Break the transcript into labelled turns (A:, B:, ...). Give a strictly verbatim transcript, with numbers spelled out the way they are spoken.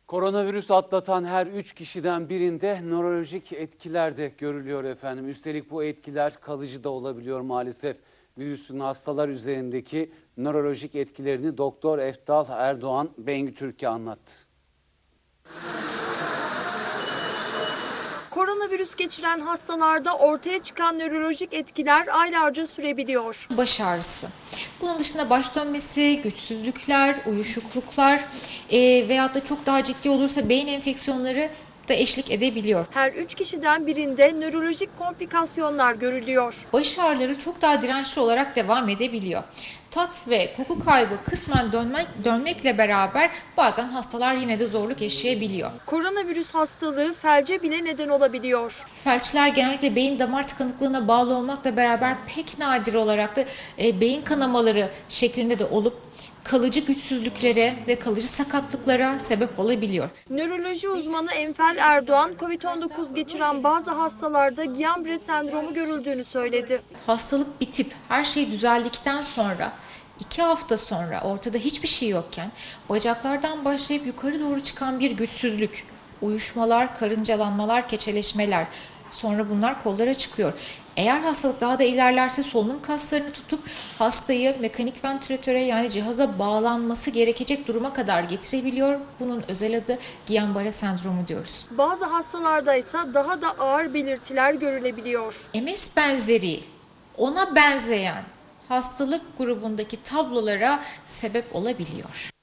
A: Koronavirüs atlatan her üç kişiden birinde nörolojik etkiler de görülüyor efendim. Üstelik bu etkiler kalıcı da olabiliyor maalesef. Virüsün hastalar üzerindeki nörolojik etkilerini Doktor Eftal Erdoğan Bengü Türkiye anlattı.
B: Koronavirüs geçiren hastalarda ortaya çıkan nörolojik etkiler aylarca sürebiliyor.
C: Baş ağrısı. Bunun dışında baş dönmesi, güçsüzlükler, uyuşukluklar e, veyahut da çok daha ciddi olursa beyin enfeksiyonları da eşlik edebiliyor.
B: Her üç kişiden birinde nörolojik komplikasyonlar görülüyor.
C: Baş ağrıları çok daha dirençli olarak devam edebiliyor. Tat ve koku kaybı kısmen dönmek, dönmekle beraber bazen hastalar yine de zorluk yaşayabiliyor.
B: Koronavirüs hastalığı felce bile neden olabiliyor.
C: Felçler genellikle beyin damar tıkanıklığına bağlı olmakla beraber pek nadir olarak da e, beyin kanamaları şeklinde de olup kalıcı güçsüzlüklere ve kalıcı sakatlıklara sebep olabiliyor.
B: Nöroloji uzmanı Enfal Erdoğan, kovid on dokuz geçiren bazı hastalarda Guillain-Barré sendromu görüldüğünü söyledi.
C: Hastalık bitip her şey düzeldikten sonra iki hafta sonra ortada hiçbir şey yokken bacaklardan başlayıp yukarı doğru çıkan bir güçsüzlük, uyuşmalar, karıncalanmalar, keçeleşmeler, sonra bunlar kollara çıkıyor. Eğer hastalık daha da ilerlerse solunum kaslarını tutup hastayı mekanik ventilatöre yani cihaza bağlanması gerekecek duruma kadar getirebiliyor. Bunun özel adı Guillain-Barré sendromu diyoruz.
B: Bazı hastalarda ise daha da ağır belirtiler görülebiliyor.
C: M S benzeri, ona benzeyen hastalık grubundaki tablolara sebep olabiliyor.